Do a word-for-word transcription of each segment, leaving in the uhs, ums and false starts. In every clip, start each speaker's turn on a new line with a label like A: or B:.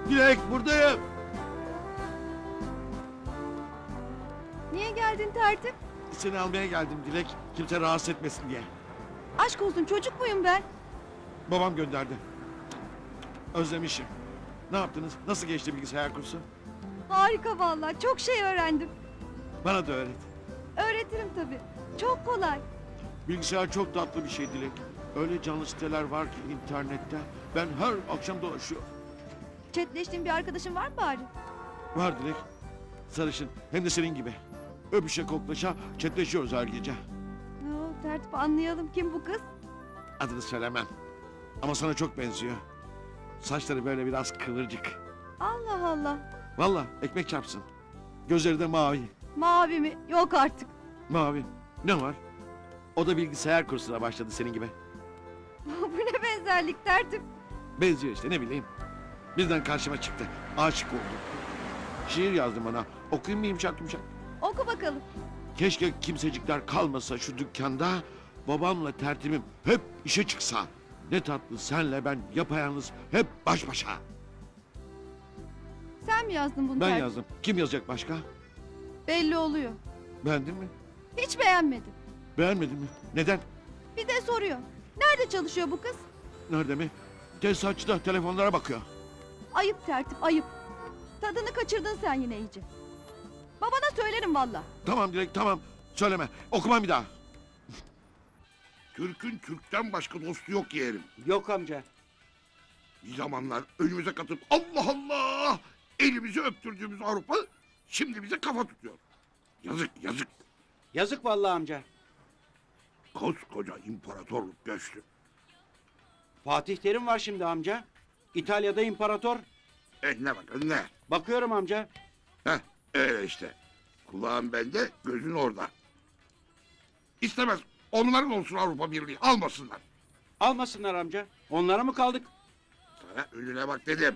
A: Dilek buradayım.
B: Niye geldin tertip?
A: Seni almaya geldim Dilek. Kimse rahatsız etmesin diye.
B: Aşk olsun, çocuk muyum ben?
A: Babam gönderdi. Özlemişim. Ne yaptınız? Nasıl geçti bilgisayar kursu?
B: Harika vallahi, çok şey öğrendim.
A: Bana da öğret.
B: Öğretirim tabii. Çok kolay.
A: Bilgisayar çok tatlı bir şey Dilek. Öyle canlı siteler var ki internette. Ben her akşam dolaşıyorum.
B: Chatleştiğin bir arkadaşın var mı bari?
A: Var Dilek. Sarışın. Hem de senin gibi. Öpüşe koklaşa chatleşiyoruz her gece.
B: Oo, tertip, anlayalım, kim bu kız?
A: Adını söylemem. Ama sana çok benziyor. Saçları böyle biraz kıvırcık.
B: Allah Allah.
A: Vallahi ekmek çarpsın. Gözleri de mavi.
B: Mavi mi? Yok artık.
A: Mavi. Ne var? O da bilgisayar kursuna başladı senin gibi.
B: Bu ne benzerlik tertip?
A: Benziyor işte, ne bileyim. Birden karşıma çıktı. Aşık oldum. Şiir yazdım bana. Okuyayım mı yumuşak yumuşak?
B: Oku bakalım.
A: Keşke kimsecikler kalmasa şu dükkanda. Babamla tertibim hep işe çıksa. Ne tatlı senle ben yapayalnız hep baş başa.
B: Sen mi yazdın bunu
A: Ben
B: tertip?
A: yazdım. Kim yazacak başka?
B: Belli oluyor.
A: Beğendin mi?
B: Hiç beğenmedim.
A: Beğenmedin mi? Neden?
B: Bir de soruyor. Nerede çalışıyor bu kız?
A: Nerede mi? Tesisatçıda telefonlara bakıyor.
B: Ayıp tertip, ayıp. Tadını kaçırdın sen yine iyice. Babana söylerim valla.
A: Tamam Dilek tamam. Söyleme. Okumam bir daha.
C: Türk'ün Türk'ten başka dostu yok yeğenim.
D: Yok amca.
C: Bir zamanlar önümüze katıp Allah Allah elimizi öptürdüğümüz Avrupa şimdi bize kafa tutuyor. Yazık yazık.
D: Yazık vallahi amca.
C: Koskoca imparatorluk göçtü.
D: Fatih Terim var şimdi amca. İtalya'da imparator.
C: Eh ne bak ne?
D: Bakıyorum amca.
C: Heh öyle işte. Kulağın bende gözün orada. İstemez onların olsun Avrupa Birliği almasınlar.
D: Almasınlar amca. Onlara mı kaldık?
C: Sana önüne bak dedim.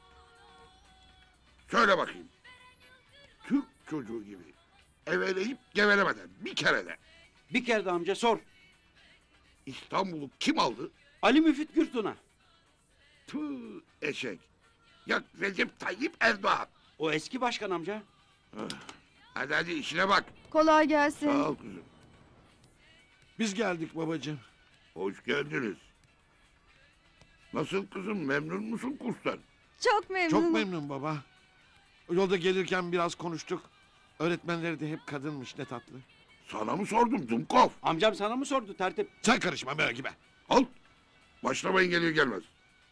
C: Söyle bakayım. Türk çocuğu gibi eveleyip gevelemeden bir kere de
D: Bir kere de amca sor.
C: İstanbul'u kim aldı?
D: Ali Müfit Gürtun'a.
C: Tüh eşek. Ya Recep Tayyip Erdoğan.
D: O eski başkan amca.
C: Hadi hadi işine bak.
B: Kolay gelsin.
C: Sağ ol kızım.
A: Biz geldik babacığım.
C: Hoş geldiniz. Nasıl kızım memnun musun kurstan?
B: Çok memnunum.
A: Çok memnun baba. Yolda gelirken biraz konuştuk. Öğretmenleri de hep kadınmış, ne tatlı.
C: Sana mı sordum Dumkov?
D: Amcam sana mı sordu tertip?
A: Sen karışma merak gibi.
C: Al. Başlamayın gelir gelmez.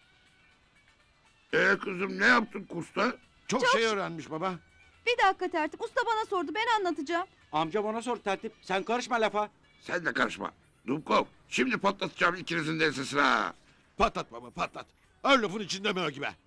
C: Ee kızım ne yaptın kursta?
A: Çok,
B: Çok
A: şey
B: ş-
A: öğrenmiş baba.
B: Bir dakika tertip, usta bana sordu, ben anlatacağım.
D: Amca bana sor tertip. Sen karışma lafa.
C: Sen de karışma. Dumkov şimdi patlatacağım ikinizin de ensesine ha.
A: Patlat baba patlat. Her lafın içinde merak gibi.